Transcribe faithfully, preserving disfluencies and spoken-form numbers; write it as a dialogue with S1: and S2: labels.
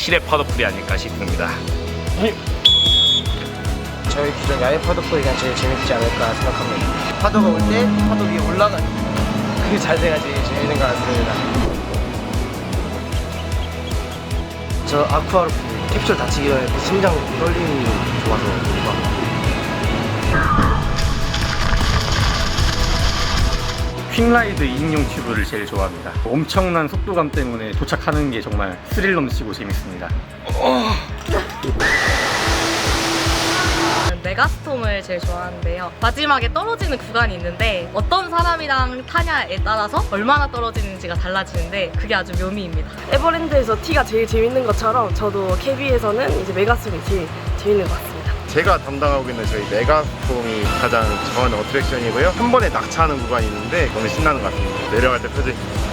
S1: 실내 파도풀이 아닐까 싶습니다.
S2: 저희 기존 야외 파도풀이가 제일 재밌지 않을까 생각합니다. 파도가 올 때 파도 위에 올라가는 그게 자세가 제일 재밌는 것 같습니다. 저 아쿠아로프 캡슐 다치기 전에 그 심장 떨림이 좋아서 좋아합니다.
S3: 퀵라이드 이인용 튜브를 제일 좋아합니다. 엄청난 속도감 때문에 도착하는 게 정말 스릴 넘치고 재밌습니다.
S4: 메가스톰을 제일 좋아하는데요. 마지막에 떨어지는 구간이 있는데 어떤 사람이랑 타냐에 따라서 얼마나 떨어지는지가 달라지는데 그게 아주 묘미입니다.
S5: 에버랜드에서 T가 제일 재밌는 것처럼 저도 케비에서는 이제 메가스톰이 제일 재밌는 것 같습니다.
S6: 제가 담당하고 있는 저희 메가스톰이 가장 좋아하는 어트랙션이고요. 한 번에 낙차하는 구간이 있는데 너무 신나는 것 같습니다. 내려갈 때 표정이